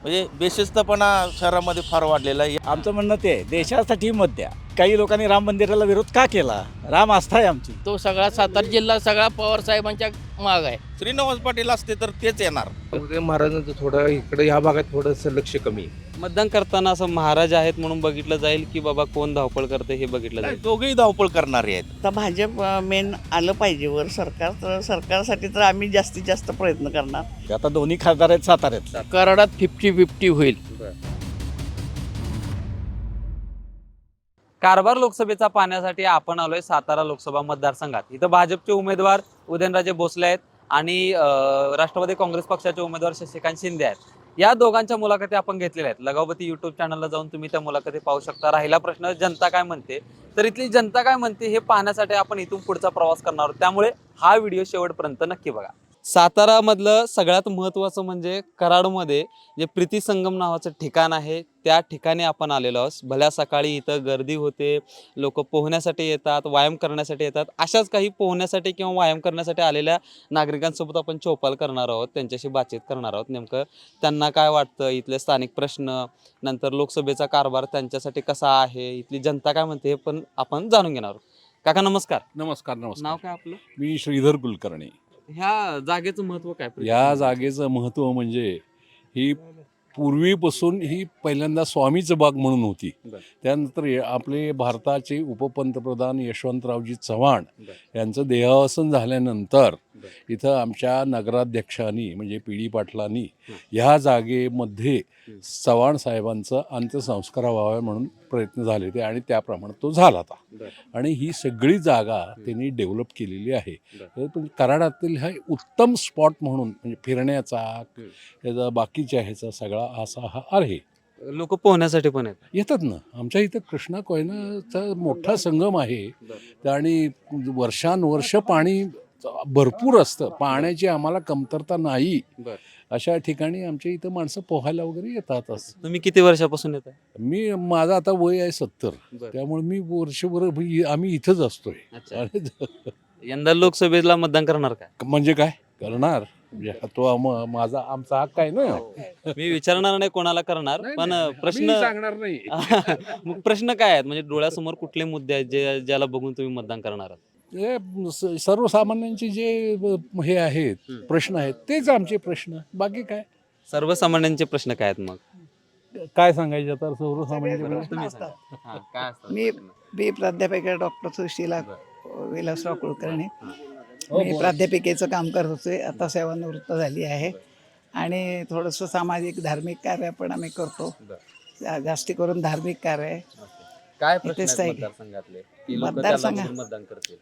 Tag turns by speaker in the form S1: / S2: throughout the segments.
S1: म्हणजे बेशिस्तपणा शहरामध्ये फार वाढलेला आहे.
S2: आमचं म्हणणं ते आहे, देशासाठी मत द्या. काही लोकांनी राम मंदिराला विरोध का केला? राम आस्था आहे आमची.
S3: तो सगळा सातारा जिल्हा सगळा पवार साहेबांच्या माग आहे.
S1: श्रीनिवास पाटील असते तर तेच येणार.
S4: उदय महाराजांचं थोडं इकडे ह्या भागात थोडंसं लक्ष कमी आहे.
S5: मतदान करताना असं महाराज आहेत म्हणून बघितलं जाईल की बाबा कोण धावपळ करते हे बघितलं जाईल.
S1: दोघेही धावपळ करणारे आहेत.
S6: आता भाजप मेन आलं पाहिजे वर सरकार, तर सरकारसाठी तर आम्ही जास्तीत जास्त प्रयत्न करणार.
S2: आता दोन्ही खासदार आहेत साताऱ्यात.
S3: कराडात 50-50 होईल.
S5: कारभार लोकसभेचा पाहण्यासाठी आपण आलोय सातारा लोकसभा मतदारसंघात. इथं भाजपचे उमेदवार उदयनराजे भोसले आहेत आणि राष्ट्रवादी काँग्रेस पक्षाचे उमेदवार शशिकांत शिंदे आहेत. या दोघांच्या मुलाखती आपण घेतलेल्या आहेत. लगावती युट्यूब चॅनलला जाऊन तुम्ही त्या मुलाखती पाहू शकता. राहिला प्रश्न जनता काय म्हणते, तर इथली जनता काय म्हणते हे पाहण्यासाठी आपण इथून पुढचा प्रवास करणार आहोत. त्यामुळे हा व्हिडिओ शेवटपर्यंत नक्की बघा. सातारामधलं सगळ्यात महत्त्वाचं म्हणजे कराडमध्ये जे प्रीती संगम नावाचं ठिकाण आहे त्या ठिकाणी आपण आलेलो आहोत. भल्या सकाळी इथं गर्दी होते, लोक पोहण्यासाठी येतात, व्यायाम करण्यासाठी येतात. अशाच काही पोहण्यासाठी किंवा व्यायाम करण्यासाठी आलेल्या नागरिकांसोबत आपण चौपाल करणार आहोत, त्यांच्याशी बातचीत करणार आहोत. नेमकं त्यांना काय वाटतं, इथले स्थानिक प्रश्न, नंतर लोकसभेचा कारभार त्यांच्यासाठी कसा आहे, इथली जनता काय म्हणते हे पण आपण जाणून घेणार आहोत. काका नमस्कार.
S7: नमस्कार नमस्कार.
S5: नाव काय आपलं?
S7: मी श्रीधर कुलकर्णी.
S5: ह्या जागेचं महत्व काय?
S7: या जागेचं महत्त्व म्हणजे ही पूर्वीपासून ही पहिल्यांदा स्वामीचं बाग म्हणून होती. त्यानंतर आपले भारताचे उपपंतप्रधान यशवंतरावजी चव्हाण यांचं देहावसन झाल्यानंतर इथं आमच्या नगराध्यक्षांनी म्हणजे पी डी पाटलांनी ह्या जागेमध्ये चव्हाण साहेबांचं अंत्यसंस्कार व्हावे म्हणून प्रयत्न झाले ते आणि त्याप्रमाणे तो झाला होता. आणि ही सगळी जागा त्यांनी डेव्हलप केलेली आहे. पण कराडातील हा उत्तम स्पॉट म्हणून म्हणजे फिरण्याचा याचा बाकीच्या ह्याचा सगळा असा हा आहे.
S5: लोक पोहण्यासाठी पण
S7: येतात ना. आमच्या इथं कृष्णा कोयनाचा मोठा संगम आहे आणि वर्षानुवर्ष पाणी भरपूर असतं. पाण्याची आम्हाला कमतरता नाही. अशा ठिकाणी आमच्या इथं माणसं पोहायला वगैरे येतातच.
S5: तुम्ही किती वर्षापासून येत आहे?
S7: माझं आता वय आहे 70. त्यामुळे मी वर्षभर आम्ही इथंच असतोय.
S5: यंदा लोकसभेला मतदान करणार काय?
S7: म्हणजे काय करणार तो माझा आमचा हक्क आहे ना.
S5: मी विचारणार नाही कोणाला करणार, पण प्रश्न
S7: सांगणार नाही.
S5: मग प्रश्न काय आहेत, म्हणजे डोळ्यासमोर कुठले मुद्दे आहेत जे ज्याला बघून तुम्ही मतदान करणार आहात?
S7: सर्वसामान्यांचे जे हे आहेत प्रश्न आहेत तेच आमचे प्रश्न. बाकी काय
S5: सर्वसामान्यांचे प्रश्न काय आहेत? मग
S7: काय सांगायचे आता सर्वसामान्यांचे प्रश्न?
S5: तुम्ही सांगा. हा, काय असतात
S6: मी
S5: प्रश्न?
S6: प्राध्यापिका डॉक्टर सुशीला विलासराव कुलकर्णी. मी प्राध्यापिकेचं काम करत होते, आता सेवानिवृत्त झाली आहे. आणि थोडंसं सामाजिक धार्मिक कार्य पण आम्ही करतो. जास्ती करून धार्मिक कार्य.
S5: काय प्रश्न
S6: इथेच
S5: आहेत
S6: आहे.
S5: मतदारसंघातले की लोक
S6: मतदारसंघ-
S5: त्याला बघून मतदान करतील?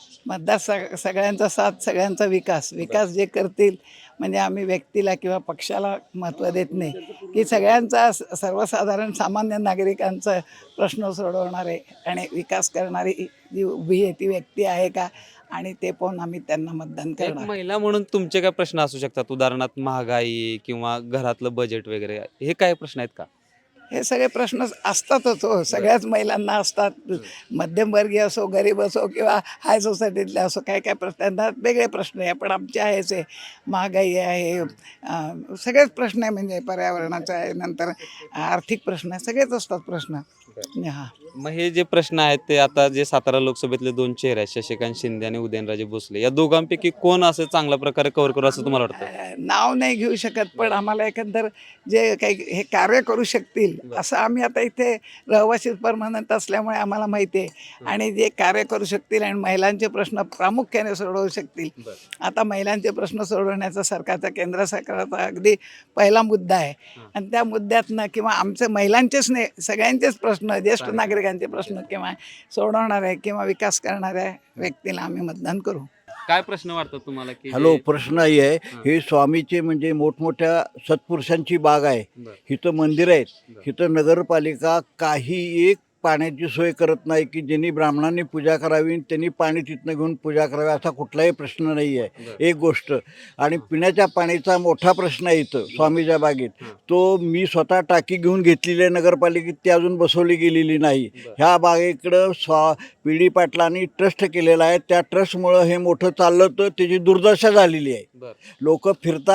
S6: सगळ्यांचा साथ, सगळ्यांचा विकास जे करतील. म्हणजे आम्ही व्यक्तीला किंवा पक्षाला महत्त्व देत नाही, की सगळ्यांचा सर्वसाधारण सामान्य नागरिकांचा प्रश्न सोडवणारे आणि विकास करणारी जी उभी आहे ती व्यक्ती आहे का, आणि ते पाहून आम्ही त्यांना मतदान
S5: एक
S6: करणार.
S5: महिला म्हणून तुमचे काय प्रश्न असू शकतात? उदाहरणार्थ महागाई किंवा घरातलं बजेट वगैरे, हे काय प्रश्न आहेत का?
S6: हे सगळे प्रश्न असतातच हो, सगळ्याच महिलांना असतात. मध्यमवर्गीय असो, गरीब असो किंवा हाय सोसायटीतले असो, काय काय प्रश्न, त्यांना वेगळे प्रश्न आहे. पण आमचे आहेच आहे, महागाई आहे, सगळेच प्रश्न आहे. म्हणजे पर्यावरणाचा आहे, नंतर आर्थिक प्रश्न आहे, सगळेच असतात प्रश्न. हां,
S5: मग हे जे प्रश्न आहेत ते आता जे सातारा लोकसभेतले दोन चेहरे आहेत, शशिकांत शिंदे आणि उदयनराजे भोसले, या दोघांपैकी कोण असं चांगल्या प्रकारे कव्हर करू असं तुम्हाला वाटतं?
S6: नाव नाही घेऊ शकत, पण आम्हाला एकंदर जे काही हे कार्य करू शकतील असं आम्ही आता इथे रहिवासी परमनंट असल्यामुळे आम्हाला माहिती आहे. आणि जे कार्य करू शकतील आणि महिलांचे प्रश्न प्रामुख्याने सोडवू शकतील. आता महिलांचे प्रश्न सोडवण्याचा सरकारचा, केंद्र सरकारचा अगदी पहिला मुद्दा आहे. आणि त्या मुद्द्यातनं किंवा आमचे महिलांचेच नाही, सगळ्यांचेच प्रश्न, ज्येष्ठ नागरिकांचे प्रश्न किंवा सोडवणाऱ्या किंवा विकास करणाऱ्या व्यक्तीला आम्ही मतदान करू.
S5: काय प्रश्न वाटतात तुम्हाला की
S8: हॅलो, प्रश्न आहे हे स्वामीचे म्हणजे मोठमोठ्या सत्पुरुषांची बाग आहे. इथं मंदिर आहेत, इथं नगरपालिका काही एक पाण्याची सोय करत नाही की ज्यांनी ब्राह्मणांनी पूजा करावी त्यांनी पाणी तिथनं घेऊन पूजा करावी असा कुठलाही प्रश्न नाही आहे. एक गोष्ट. आणि पिण्याच्या पाण्याचा मोठा प्रश्न आहे इथं स्वामीच्या बागेत. तो मी स्वतः टाकी घेऊन घेतलेली आहे नगरपालिकेत, ती अजून बसवली गेलेली नाही. ह्या बागेकडं पी डी पाटलांनी ट्रस्ट केलेला आहे. त्या ट्रस्टमुळं हे मोठं चाललं तर त्याची दुर्दशा झालेली आहे. लोक फिरतात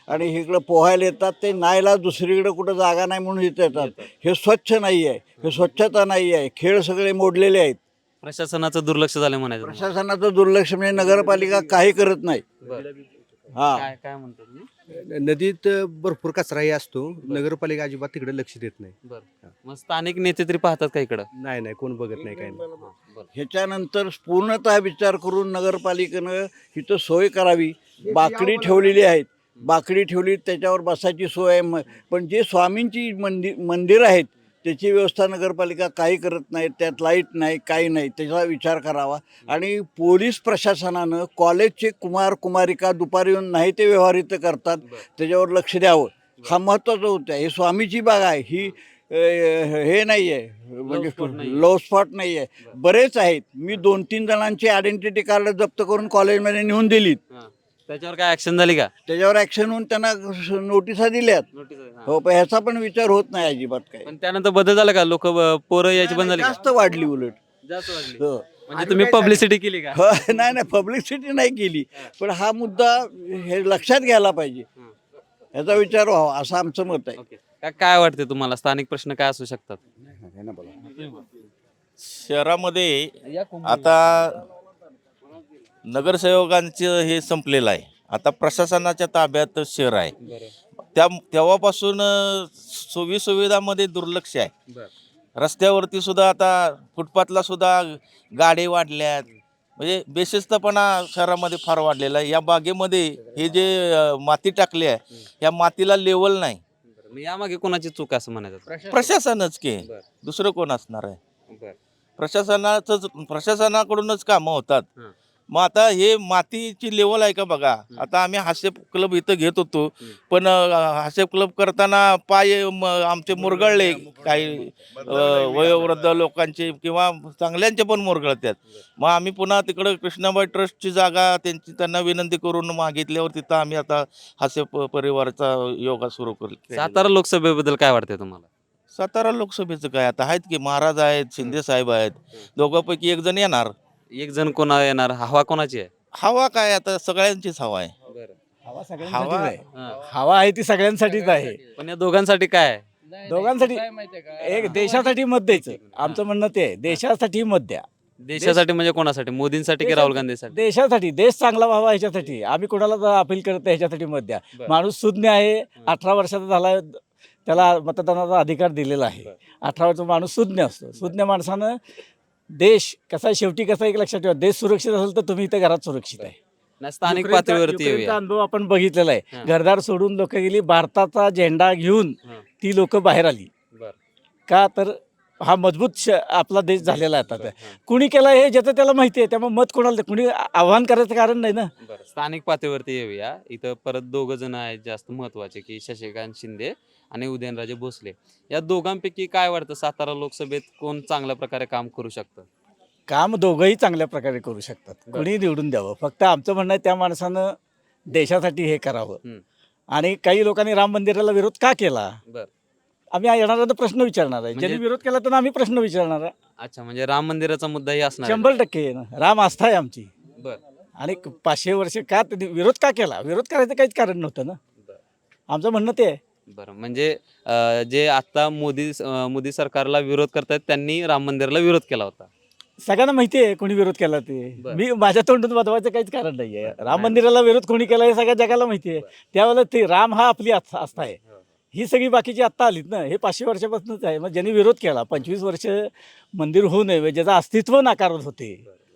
S8: आणि इकडं पोहायला येतात, ते नाहीला दुसरीकडे कुठं जागा नाही म्हणून इथं येतात. हे स्वच्छ नाही आहे, हे स्वच्छता नाही आहे, खेळ सगळे मोडलेले आहेत.
S5: प्रशासनाचं दुर्लक्ष झालं म्हणायचं तुम्हाला.
S8: प्रशासनाचं दुर्लक्ष म्हणजे नगरपालिका काही करत नाही. हा,
S5: काय काय म्हणतो तुम्ही?
S9: नदीत भरपूर कचराही असतो, नगरपालिका अजिबात तिकडे लक्ष देत नाही.
S5: बरं, मग स्थानिक नेते तरी पाहतात का इकडं?
S9: नाही कोण बघत नाही काही नाही.
S8: ह्याच्यानंतर पूर्णतः विचार करून नगरपालिकेनं इथं सोय करावी. बाकडी ठेवलेली आहेत, बाकडी ठेवली, त्याच्यावर बसायची सोय आहे. पण जे स्वामींची मंदिर आहेत त्याची व्यवस्था नगरपालिका काही करत नाही. त्यात लाईट नाही, काही नाही. त्याचा विचार करावा. आणि पोलीस प्रशासनानं कॉलेजचे कुमार कुमारिका दुपारी येऊन नाही ते व्यवहार इथं करतात, त्याच्यावर लक्ष द्यावं. हा महत्त्वाचं होतं. हे स्वामीची बाग आहे, ही हे नाही आहे, म्हणजे लो स्पॉट नाही आहे. बरेच आहेत. मी 2-3 जणांची आयडेंटिटी कार्ड जप्त करून कॉलेजमध्ये नेऊन दिलीत.
S5: त्याच्यावर काय ऍक्शन झाली का?
S8: त्याच्यावर ॲक्शन होऊन त्यांना नोटिसा दिल्यात. हो, पण ह्याचा पण विचार होत नाही अजिबात काही.
S5: पण त्यानंतर बदल झाला का? लोक पोरं यायची बंद झाली का?
S8: जास्त वाढली उलट.
S5: जास्त वाढली.
S8: हो.
S5: म्हणजे तुम्ही पब्लिसिटी केली का?
S8: हो, नाही पब्लिसिटी नाही केली, पण हा मुद्दा हे लक्षात घ्यायला पाहिजे, ह्याचा विचार व्हावा असं आमचं मत आहे.
S5: ओके. काय वाटते तुम्हाला, स्थानिक प्रश्न काय असू शकतात?
S1: शहरामध्ये आता नगरसेवकांचं हे संपलेलं आहे. आता प्रशासनाच्या ताब्यात शहर आहे. तेव्हापासून सोयी सुविधामध्ये दुर्लक्ष आहे. रस्त्यावरती सुद्धा आता फुटपाथला सुद्धा गाडी वाढल्यात. म्हणजे बेशिस्तपणा शहरामध्ये फार वाढलेला आहे. या बागेमध्ये हे जे माती टाकली आहे, या मातीला लेवल नाही.
S5: मग यामागे कोणाची चूक असं म्हणायचं?
S1: प्रशासनच के, दुसरं कोण असणार आहे? प्रशासनाकडूनच कामं होतात. मग आता हे मातीची लेवल आहे का बघा. आता आम्ही हास्य क्लब इथं घेत होतो, पण हास्य क्लब करताना पाय आमचे मुरगळले. काही वयोवृद्ध लोकांचे किंवा चांगल्यांचे पण मुरगळतात. मग आम्ही पुन्हा तिकडं कृष्णाबाई ट्रस्टची जागा त्यांना विनंती करून मागितल्यावर तिथं आम्ही आता हास्य परिवाराचा योगा सुरू केला.
S5: सातारा लोकसभेबद्दल काय वाटतंय तुम्हाला?
S1: सातारा लोकसभेचं काय, आता आहेत की महाराज आहेत, शिंदे साहेब आहेत. दोघांपैकी एक जण येणार.
S5: एक जण कोणा येणार? हवा कोणाची आहे?
S1: हवा काय, आता सगळ्यांचीच हवा आहे.
S2: हवा सगळ्यांसाठीच आहे. हवा आहे ती सगळ्यांसाठीच आहे.
S5: पण या दोघांसाठी काय आहे?
S2: दोघांसाठी एक देशासाठी मत द्यायचं. आमचं म्हणणं ते आहे, देशासाठी मत द्या.
S5: देशासाठी म्हणजे कोणासाठी? मोदींसाठी की राहुल गांधीसाठी?
S2: देशासाठी, देश चांगला व्हावा ह्याच्यासाठी. आम्ही कोणाला अपील करत नाही, ह्याच्यासाठी मत द्या. माणूस सुज्ञ आहे, 18 वर्षाचा झाला, त्याला मतदानाचा अधिकार दिलेला आहे. 18 वर्षाचा माणूस सुज्ञ असतो. सुज्ञ माणसानं देश कसा शेवटी कसा एक लक्षात ठेवा, देश सुरक्षित असेल तर तुम्ही इथं घरात सुरक्षित आहे.
S5: नाही, स्थानिक पातळीवरती
S2: युक्रेनचा
S5: येऊया.
S2: अनुभव आपण बघितलेला आहे. घरदार सोडून लोक गेली, भारताचा झेंडा घेऊन ती लोक बाहेर आली. का तर हा मजबूत आपला देश झालेला आहे. आता कुणी केला हे ज्याचं त्याला माहिती आहे, त्यामुळे मत कोणाला कुणी आव्हान करायचं कारण नाही ना.
S5: स्थानिक पातळीवरती येऊया. इथं परत 2 जण आहेत जास्त महत्वाचे, की शशिकांत शिंदे आणि उदयनराजे भोसले. या दोघांपैकी काय वाटतं, सातारा लोकसभेत कोण चांगल्या प्रकारे काम करू शकतं?
S2: काम दोघंही चांगल्या प्रकारे करू शकतात. कुणी निवडून द्यावं. फक्त आमचं म्हणणं आहे त्या माणसानं देशासाठी हे करावं. आणि काही लोकांनी राम मंदिराला विरोध का केला, आम्ही येणारा प्रश्न विचारणार आहे. ज्यांनी विरोध केला तर आम्ही प्रश्न विचारणार आहे.
S5: अच्छा, म्हणजे राम मंदिराचा मुद्दाही असणार?
S2: 100% ना. राम आस्था आहे आमची.
S5: बरं.
S2: आणि 500 वर्ष का विरोध का केला? विरोध करायचं काहीच कारण नव्हतं ना. आमचं म्हणणं ते आहे.
S5: बरं, म्हणजे जे आता मोदी सरकारला विरोध करतात त्यांनी राम मंदिराला विरोध केला होता.
S2: सगळ्यांना माहिती आहे कोणी विरोध केला ते. मी माझ्या तोंडून वादवायचं काहीच कारण नाही आहे. राम मंदिराला विरोध कोणी केला हे सगळ्या जगाला माहिती आहे. त्यावेळेला ते राम हा आपली आस्था आहे. ही सगळी बाकीची आत्ता आलीत ना. हे 500 वर्षापासूनच आहे. मग ज्यांनी विरोध केला, 25 वर्ष मंदिर होऊ नये, ज्याचं अस्तित्व नाकारत होते,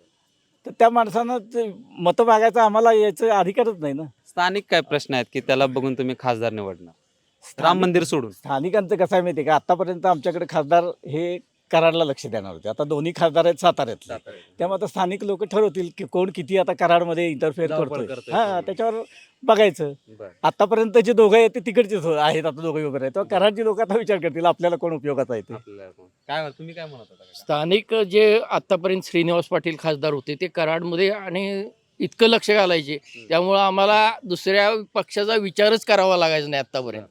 S2: तर त्या माणसानं मतं मागायचं आम्हाला याचं अधिकारच नाही ना.
S5: स्थानिक काय प्रश्न आहेत की त्याला बघून तुम्ही खासदार निवडणार? राम मंदिर सोडून
S2: स्थानिकांचं कसं आहे माहिती आहे का, आतापर्यंत आमच्याकडे खासदार हे कराडला लक्ष देणार होते. आता दोन्ही खासदार आहेत साताऱ्यातले. त्यामुळे आता स्थानिक लोक ठरवतील की कोण किती आता कराडमध्ये इंटरफेअर करतोय. हा, त्याच्यावर बघायचं. आतापर्यंत जे दोघं आहेत ते तिकडचेच आहेत. आता दोघे वगैरे आहेत, कराडची लोक आता विचार करतील आपल्याला कोण उपयोगाचा आहे ते.
S5: काय तुम्ही काय म्हणत होता?
S3: स्थानिक जे आतापर्यंत श्रीनिवास पाटील खासदार होते ते कराडमध्ये आणि इतकं लक्ष घालायचे, त्यामुळं आम्हाला दुसऱ्या पक्षाचा विचारच करावा लागायचा नाही आतापर्यंत.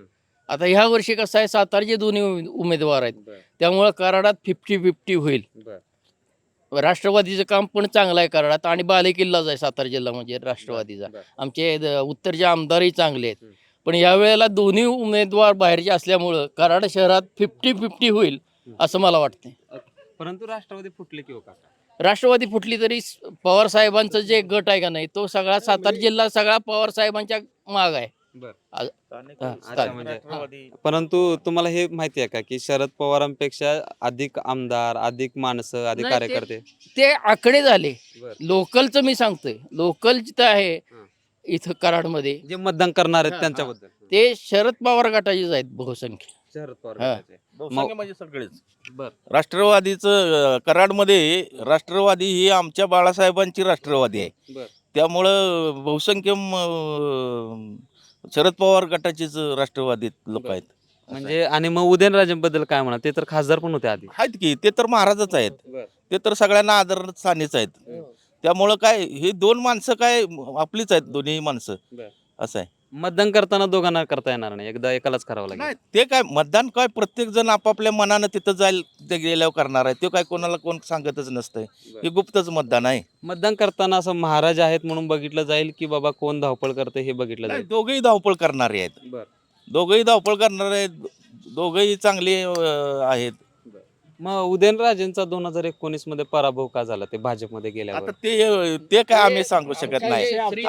S3: आता ह्या वर्षी कसं आहे, सातारचे दोन्ही उमेदवार आहेत, त्यामुळं कराडात 50-50 होईल. राष्ट्रवादीचं काम पण चांगलं आहे कराडात आणि बालेकिल्लाच आहे सातारा जिल्हा म्हणजे राष्ट्रवादीचा. आमचे उत्तरचे आमदारही चांगले आहेत. पण यावेळेला दोन्ही उमेदवार बाहेरचे असल्यामुळं कराड शहरात 50-50 होईल असं मला वाटतंय.
S5: परंतु राष्ट्रवादी फुटले की हो काका?
S3: राष्ट्रवादी फुटली तरी पवार साहेबांचं जे गट आहे का नाही तो सगळा सातारा जिल्हा सगळा पवार साहेबांच्या माग आहे. हा,
S5: अच्छा, म्हणजे परंतु तुम्हाला हे माहिती आहे का की शरद पवारांपेक्षा अधिक आमदार, अधिक माणसं, अधिक
S3: नाही,
S5: कार्यकर्ते?
S3: ते आकडे झाले.
S5: बरं.
S3: लोकलचं मी सांगतोय, लोकल जिथं आहे
S5: हं.
S3: इथं कराडमध्ये
S5: जे मतदान करणार आहेत
S3: हा,
S5: त्यांच्याबद्दल
S3: ते शरद पवार गटाचेच आहेत बहुसंख्य.
S5: शरद पवार
S3: हा.
S5: गटाचे.
S1: बहुसंख्य म्हणजे सगळेच.
S5: बर.
S1: राष्ट्रवादीचं कराडमध्ये राष्ट्रवादी ही आमच्या बाळासाहेबांची राष्ट्रवादी आहे.
S5: बर.
S1: त्यामुळं बहुसंख्य शरद पवार गटाचेच राष्ट्रवादी लोक आहेत.
S5: म्हणजे आणि मग उदयनराजेंबद्दल काय म्हणा? ते तर खासदार पण होते आधी.
S1: आहेत की ते तर महाराजच आहेत. ते तर सगळ्यांना आदरस्थानीच आहेत. त्यामुळं काय हे दोन माणसं काय आपलीच आहेत दोन्ही माणसं.
S5: बर.
S1: असं आहे.
S5: मतदान करताना दोघांना करता येणार नाही, एकदा एकालाच करावं लागेल.
S1: नाही ते काय मतदान काय प्रत्येक जण आपापल्या मनानं तिथं जाईल ते गेल्यावर करणार आहे. ते काय कोणाला कोण सांगतच नसतंय. हे गुप्तच मतदान आहे.
S5: मतदान करताना असं महाराज आहेत म्हणून बघितलं जाईल की बाबा कोण धावपळ करते हे बघितलं
S1: नाही,
S5: जाईल?
S1: दोघंही धावपळ करणारे आहेत.
S5: बर.
S1: दोघंही धावपळ करणारे आहेत. दोघंही चांगले आहेत.
S5: मग उदयनराजेंचा 2019 मध्ये पराभव का झाला ते भाजपमध्ये गेल्यावर?
S1: आता ते काय आम्ही सांगू शकत नाही.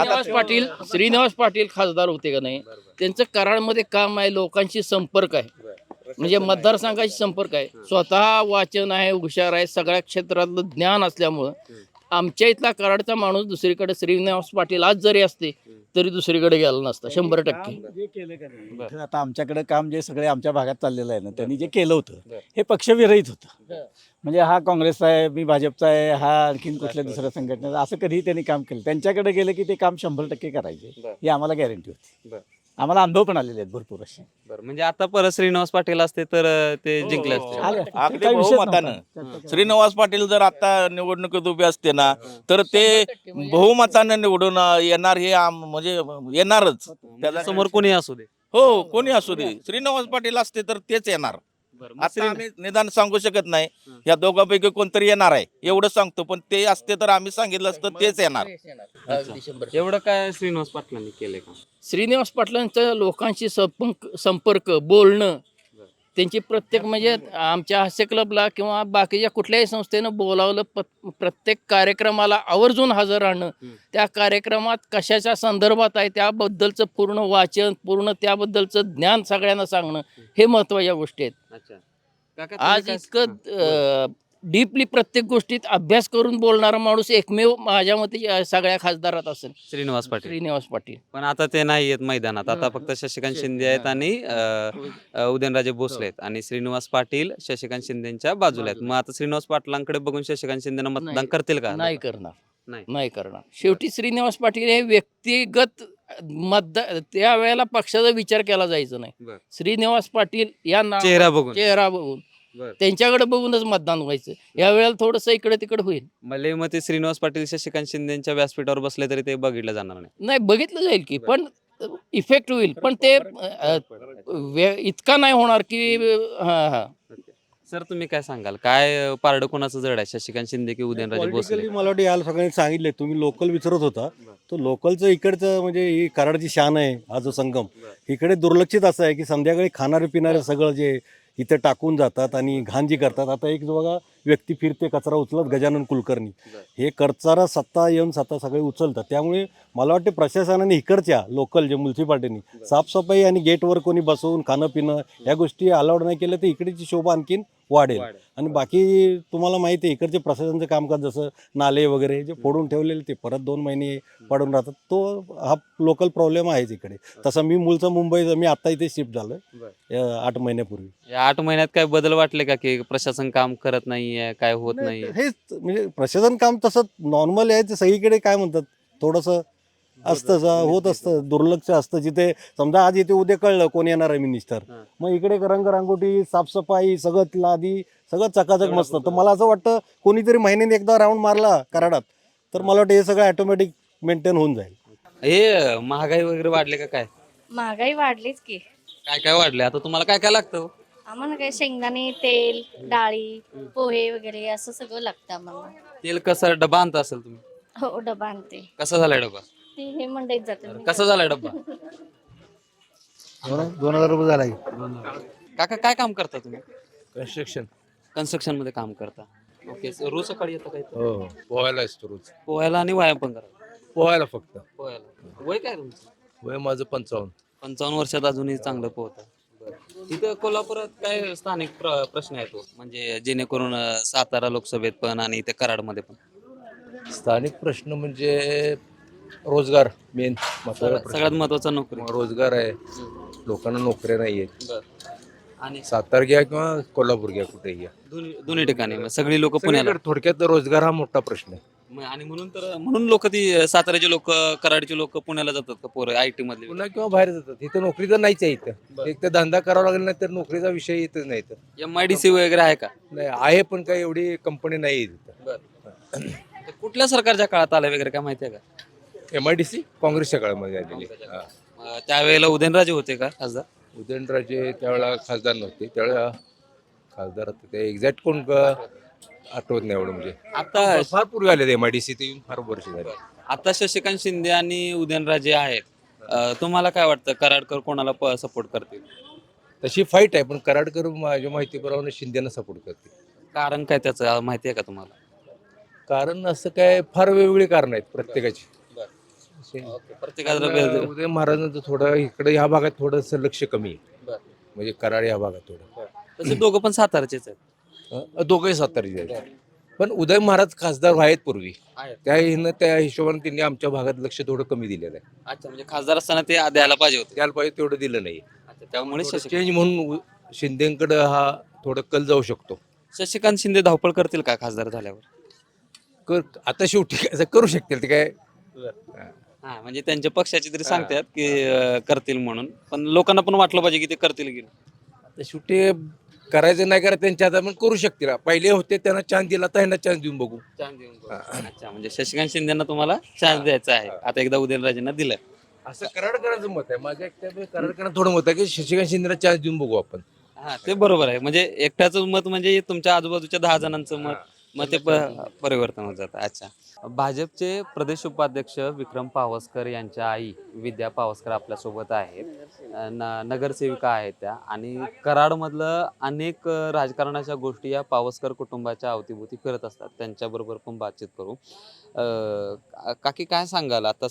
S3: श्रीनिवास पाटील खासदार होते का नाही, त्यांचं कराडमध्ये काम आहे, लोकांशी संपर्क आहे, म्हणजे मतदारसंघाशी संपर्क आहे, स्वतः वाचन आहे, हुशार आहे, सगळ्या क्षेत्रातलं ज्ञान असल्यामुळं आमच्या इथला कराडचा माणूस दुसरीकडे श्रीनिवास पाटील आज जरी असते तरी दुसरीकडे गेला नसता 100%.
S2: काम जे केलं का नाही, इथं आता आमच्याकडे काम जे सगळे आमच्या भागात चाललेलं आहे ना, त्यांनी जे केलं होतं हे पक्षविरहित होतं. म्हणजे हा काँग्रेसचा आहे, मी भाजपचा आहे, हा आणखीन कुठल्या दुसऱ्या संघटनेचा, असं कधीही त्यांनी काम केलं. त्यांच्याकडे गेलं की ते काम 100% करायचे, ही आम्हाला गॅरंटी होती. आम्हाला अनुभव पण आलेले आहेत भरपूर असे.
S5: बरं, म्हणजे आता परत श्रीनिवास पाटील असते तर ते जिंकले असते.
S2: आले.
S1: अगदी
S2: काही विषयच
S1: बहुमतानं.
S2: नव्हता.
S1: श्रीनिवास पाटील जर आता निवडणुकीत उभे असते ना तर ते बहुमतानं निवडून येणार हे म्हणजे येणारच.
S5: त्याच्या समोर कोणी असू दे.
S1: हो कोणी असू दे श्रीनिवास पाटील असते तर तेच येणार.
S5: बरं,
S1: आता आम्ही निदान सांगू शकत नाही या दोघांपैकी कोणतरी येणार आहे एवढं सांगतो, पण ते असते तर आम्ही सांगितलं असतं तेच येणार.
S3: अगदी 100%.
S5: एवढं काय श्रीनिवास पाटलांनी केलंय का?
S3: श्रीनिवास पाटलांचं लोकांशी संपर्क बोलणं, त्यांची प्रत्येक म्हणजे आमच्या हास्य क्लबला किंवा बाकीच्या कुठल्याही संस्थेनं बोलावलं, प्रत्येक कार्यक्रमाला आवर्जून हजर राहणं, त्या कार्यक्रमात कशाच्या संदर्भात आहे त्याबद्दलचं पूर्ण वाचन, पूर्ण त्याबद्दलचं ज्ञान सगळ्यांना सांगणं, हे महत्त्वाच्या गोष्टी आहेत.
S5: अच्छा काका, तुम्ही
S3: आज
S5: काय-
S3: इतकं डीपली प्रत्येक गोष्टीत अभ्यास करून बोलणारा माणूस एकमेव माझ्या मते सगळ्या खासदारात असेल
S5: श्रीनिवास पाटील.
S3: श्रीनिवास पाटील.
S5: पण आता ते नाही आहेत मैदानात. आता फक्त शशिकांत शिंदे आहेत आणि उदयनराजे भोसले आहेत आणि श्रीनिवास पाटील शशिकांत शिंदेच्या बाजूला आहेत. मग आता श्रीनिवास पाटलांकडे बघून शशिकांत शिंदेना मतदान
S3: नाही.
S5: करतील का?
S3: नाही करणार,
S5: नाही.
S3: नाही करणार. शेवटी श्रीनिवास पाटील हे व्यक्तिगत मतदार, त्या वेळेला पक्षाचा विचार केला जायचा नाही.
S5: बरं.
S3: श्रीनिवास पाटील या
S5: चेहरा बघून.
S3: चेहरा बघून
S5: बरं.
S3: त्यांच्याकडे बघूनच मतदान व्हायचं. या वेळेला थोडस इकडे तिकडे होईल.
S5: मले मग ते श्रीनिवास पाटील शशिकांत शिंदेच्या व्यासपीठावर बसले तरी ते बघितलं जाणार नाही.
S3: नाही बघितलं जाईल की, पण इफेक्ट होईल, पण ते इतका नाही होणार की हा.
S5: सर तुम्ही काय सांगाल, काय पारडं कोणाचं जड आहे, शशिकांत शिंदे की उदयनराजे भोसले?
S10: पॉलिटिकली मला वाटतं याला सगळ्यांनी सांगितले. तुम्ही लोकल विचारत होता, तो लोकलचं इकडचं म्हणजे ही कराडची शान आहे, हा जो संगम इकडे दुर्लक्षित असं आहे की संध्याकाळी खाणारे पिणारे सगळं जे इथे टाकून जातात आणि घाण जी करतात. आता एक जो बघा व्यक्ती फिरते कचरा उचलत, गजानन कुलकर्णी, हे करचारा सत्ता येऊन सत्ता सगळे उचलतात. त्यामुळे मला वाटते प्रशासनाने इकडच्या लोकल जे म्युन्सिपाल्टीनी साफसफाई आणि गेटवर कोणी बसवून खाणं पिणं या गोष्टी अलाउड नाही केल्या तर इकडची शोभा आणखीन वाढेल. आणि बाकी तुम्हाला माहिती आहे इकडचे प्रशासनाचं कामकाज जसं नाले वगैरे जे फोडून ठेवलेले ते परत 2 महिने पडून राहतात, तो हा लोकल प्रॉब्लेम आहेच इकडे. तसं मी मूळचा मुंबईचा, मी आता इथे शिफ्ट झालो 8 महिन्यापूर्वी.
S5: या 8 महिन्यात काय बदल वाटले का की प्रशासन काम करत नाहीये, काय होत नाही?
S10: हेच म्हणजे प्रशासन काम तसं नॉर्मल आहे, ते सगळीकडे काय म्हणतात थोडंसं असतं, होत असतं, दुर्लक्ष असतं. जिथे समजा आज इथे उद्या कळलं कोण येणार आहे मिनिस्टर, मग इकडे रंगरांगोटी साफसफाई सगळं लादी सगळं चकाचक मस्त. तर मला असं वाटतं कोणीतरी महिन्याने एकदा राऊंड मारला कराडात तर मला वाटतं हे सगळं ऑटोमॅटिक मेंटेन होऊन जाईल.
S5: हे महागाई वगैरे वाढले का काय?
S11: महागाई वाढलीच की.
S5: काय काय वाढले? आता तुम्हाला काय काय लागतं?
S11: आम्हाला काय शेंगदाणे, तेल, डाळी, पोहे वगैरे असं सगळं लागतं आम्हाला.
S5: तेल कसं डबा आणता असेल तुम्ही?
S11: हो डबा आणते.
S5: कसा झालाय डबा?
S11: ती हे मंडईत जाते मी.
S5: कसा झालाय डबा?
S9: 2000 रुपये झाला
S5: काका काय काम करता तुम्ही?
S4: कन्स्ट्रक्शन
S5: कन्स्ट्रक्शन मध्ये काम करता. ओके, रोज सकाळी येतं काय?
S4: हो पोहायला असतो रोज.
S5: पोहायला आणि व्यायाम पण करा.
S4: पोहायला फक्त.
S5: पोहायला वय काय तुमचं?
S4: वय माझं 55.
S5: 55 वर्षात अजूनही चांगलं पोहत. इथं कोल्हापुरात काय स्थानिक प्रश्न येतो म्हणजे जेणेकरून सातारा लोकसभेत पण आणि इथे कराडमध्ये पण
S4: स्थानिक प्रश्न म्हणजे रोजगार मेन
S5: सगळ्यात महत्वाचा नोकरी.
S4: रोजगार आहे. लोकांना नोकऱ्या नाही आहेत.
S5: आणि
S4: सातारा घ्या किंवा कोल्हापूर घ्या कुठेही घ्या
S5: दोन्ही ठिकाणी मग सगळी लोक पुण्याला
S4: सगळीकडे थोडक्यात रोजगार हा मोठा प्रश्न आहे.
S5: आणि म्हणून लोक ती साताऱ्याचे लोक कराडचे लोक पुण्याला जातात का पोरं IT मधले?
S4: पुन्हा किंवा बाहेर जातात. इथं नोकरी तर नाहीच आहे. इथं एक तर धंदा करावा लागला नाही तर नोकरीचा विषय येतच नाही. तर
S5: MIDC वगैरे आहे का?
S4: नाही आहे पण काही एवढी कंपनी नाही आहे
S5: ते कुठल्या सरकारच्या काळात आलं वगैरे काय माहिती आहे का?
S4: MIDC काँग्रेसच्या काळामध्ये आलेली.
S5: त्यावेळेला उदयनराजे होते का खासदार?
S4: उदयनराजे त्यावेळेला खासदार नव्हते. त्यावेळेला खासदार होते ते एक्झॅक्ट कोण आठवत नाही एवढं म्हणजे
S5: आता
S4: फार पूर्वी आले MIDC ते येऊन फार वर्ष झाले.
S5: आता शशिकांत शिंदे आणि उदयनराजे आहेत. तुम्हाला काय वाटतं कराडकर कोणाला सपोर्ट करतील?
S4: तशी फाईट आहे पण कराडकर माझ्या माहितीप्रमाणे शिंदेना सपोर्ट करते.
S5: कारण काय त्याचं माहिती आहे का तुम्हाला?
S4: कारण असं काय फार वेगवेगळी कारण आहेत प्रत्येकाची.
S5: प्रत्येकाला
S4: उदय महाराजांचं थोडं इकडे ह्या भागात थोडंसं लक्ष कमी आहे. म्हणजे कराड या भागात थोडं.
S5: तसे दोघं पण साताराचेच आहेत.
S4: दोघंही सातारीचे आहेत. पण उदय महाराज खासदार आहेत पूर्वी. त्या हिशोबाने त्यांनी आमच्या भागात लक्ष थोडं कमी दिलेलं आहे.
S5: अच्छा, म्हणजे खासदार असताना ते द्यायला पाहिजे होते.
S4: त्याला पाहिजे तेवढं दिलं नाही.
S5: त्यामुळे
S4: चेंज म्हणून शिंदेकडे हा थोडं कल जाऊ शकतो.
S5: शशिकांत शिंदे धावपळ करतील का खासदार झाल्यावर?
S4: आता शेवटी असं करू शकतील ते काय.
S5: हा, म्हणजे त्यांच्या पक्षाची तरी सांगतात की करतील म्हणून, पण लोकांना पण वाटलं पाहिजे की ते करतील की
S4: आता शेवटी करायचं नाही करायचं त्यांच्या हातात पण करू शकतील. पहिले होते त्यांना चान्स दिला तर ह्यांना चान्स देऊन बघू.
S5: अच्छा, म्हणजे शशिकांत शिंदेना तुम्हाला चान्स द्यायचा आहे. आता एकदा उदयनराजेंना दिलं
S4: असं कराडकरांचं मत आहे. माझ्या एकट्या कराडकरांना थोडं मत आहे की शशिकांत शिंदेला चान्स देऊन बघू आपण.
S5: हा, ते बरोबर आहे. म्हणजे एकट्याचं मत म्हणजे तुमच्या आजूबाजूच्या 10 जणांचं मत ते परिवर्तन होत जातं. अच्छा, भाजपचे प्रदेश उपाध्यक्ष विक्रम पावसकर यांच्या आई विद्या पावसकर आपल्यासोबत आहेत. नगरसेविका आहेत त्या, आणि कराडमधलं अनेक राजकारणाच्या गोष्टी या पावसकर कुटुंबाच्या अवतीभोवती फिरत असतात. त्यांच्याबरोबर पण बातचीत करू. काकी काय सांगाल? आता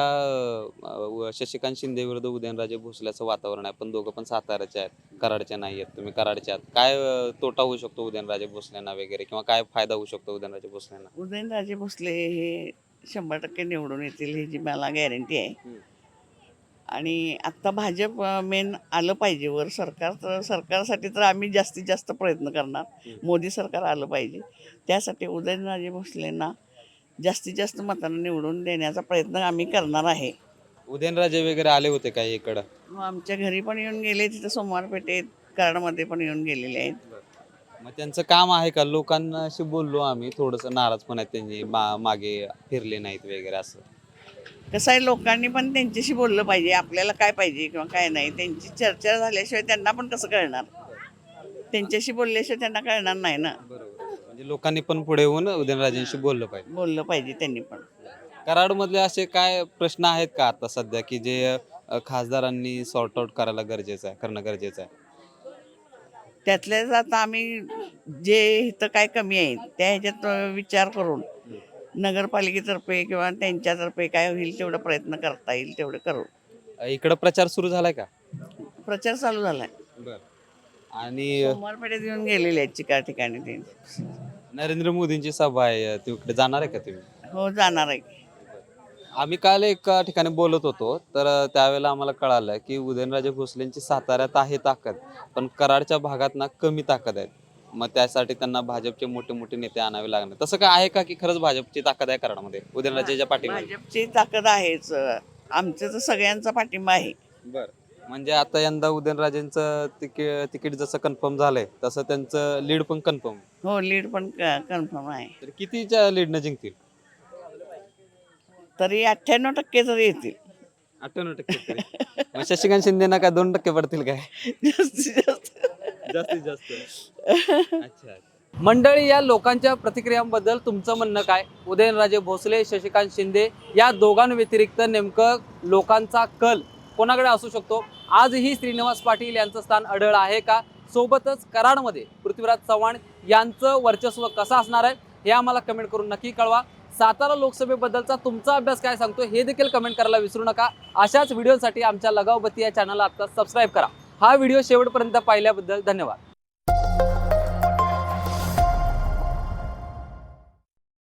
S5: सध्या शशिकांत शिंदे विरुद्ध उदयनराजे भोसल्याचं वातावरण आहे, पण दोघं पण साताऱ्याचे आहेत, कराडचे नाही आहेत. तुम्ही कराडचे आहात. काय तोटा होऊ शकतो उदयनराजे भोसलेंना वगैरे, किंवा काय फायदा होऊ शकतो उदयनराजे भोसलेंना?
S6: उदयनराजे भोसले हे 100% निवडून येतील ह्याची मला गॅरंटी आहे. आणि आत्ता भाजप मेन आलं पाहिजे वर. सरकारसाठी तर आम्ही जास्तीत जास्त प्रयत्न करणार. मोदी सरकार आलं पाहिजे. त्यासाठी उदयनराजे भोसलेंना जास्तीत जास्त मतांना निवडून देण्याचा प्रयत्न आम्ही करणार आहे.
S5: उदयनराजे वगैरे आले होते काय इकडं?
S6: आमच्या घरी पण येऊन गेले, तिथं सोमवार पेठेत कराडमध्ये पण येऊन गेलेले आहेत.
S5: मग त्यांचं काम आहे का? लोकांशी बोललो आम्ही, थोडंसं नाराज पण आहेत त्यांनी, मागे फिरले नाहीत वगैरे असं.
S6: कसं आहे, लोकांनी पण त्यांच्याशी बोललं पाहिजे. आपल्याला काय पाहिजे किंवा काय नाही, त्यांची चर्चा झाल्याशिवाय त्यांना पण कसं कळणार? त्यांच्याशी बोलल्याशिवाय त्यांना कळणार नाही ना.
S5: म्हणजे लोकांनी पण पुढे येऊन उदयनराजेंशी बोललं पाहिजे
S6: त्यांनी पण.
S5: कराडमधले असे काय प्रश्न आहेत का आता सध्या की जे खासदारांनी सॉर्ट आउट करणं गरजेचं आहे?
S6: त्यातल्याच आता आम्ही जे इथं काय कमी आहे त्या ह्याच्यात विचार करून नगरपालिकेतर्फे किंवा त्यांच्यातर्फे काय होईल तेवढा प्रयत्न करता येईल तेवढं करू.
S5: इकडं प्रचार सुरू झालाय का?
S6: प्रचार चालू झालाय.
S5: आणि
S6: सोमवार पेठेत येऊन गेलेले आहेत चिकार ठिकाणी ते.
S5: नरेंद्र मोदींची सभा आहे, तिकडे जाणार आहे का तुम्ही?
S6: हो, जाणार आहे.
S5: आम्ही काल एका ठिकाणी बोलत होतो, तर त्यावेळेला आम्हाला कळालं की उदयनराजे भोसलेंची साताऱ्यात आहे ताकद, पण कराडच्या भागात ना कमी ताकद आहे. मग त्यासाठी त्यांना भाजपचे मोठे मोठे नेते आणावे लागणार. तसं काय आहे का की खरंच भाजपची ताकद आहे कराडमध्ये उदयनराजेच्या पाठीमागे?
S6: भाजपची ताकद आहेच. आमचं तर सगळ्यांचा पाठिंबा आहे.
S5: म्हणजे आता यंदा उदयनराजेंचं तिकीट जसं कन्फर्म झालंय तसं त्यांचं लीड पण कन्फर्म?
S6: हो, लीड पण कन्फर्म आहे.
S5: तर कितीच्या लीडनं जिंकतील?
S6: तरी 98% तरी येतील.
S5: 98%. मग शशिकांत शिंदेना काय 2% पडतील काय?
S6: जास्तीत जास्त.
S5: जास्तीत जास्त. अच्छा. मंडळी, या लोकांच्या प्रतिक्रियांबद्दल तुमचं म्हणणं काय? उदयनराजे भोसले, शशिकांत शिंदे या दोघांव्यतिरिक्त नेमकं लोकांचा कल कोणाकडे असू शकतो? आजही श्रीनिवास पाटील यांचं स्थान अढळ आहे का? सोबतच कराडमध्ये पृथ्वीराज चव्हाण यांचं वर्चस्व कसं असणार आहे हे आम्हाला कमेंट करून नक्की कळवा. सातारा लोकसभेबद्दलचा तुमचा अभ्यास काय सांगतो हे देखील कमेंट करायला विसरू नका. अशाच व्हिडिओसाठी आमच्या लगावबत्ती या चॅनलला आता सबस्क्राईब करा. हा व्हिडिओ शेवटपर्यंत पाहिल्याबद्दल धन्यवाद.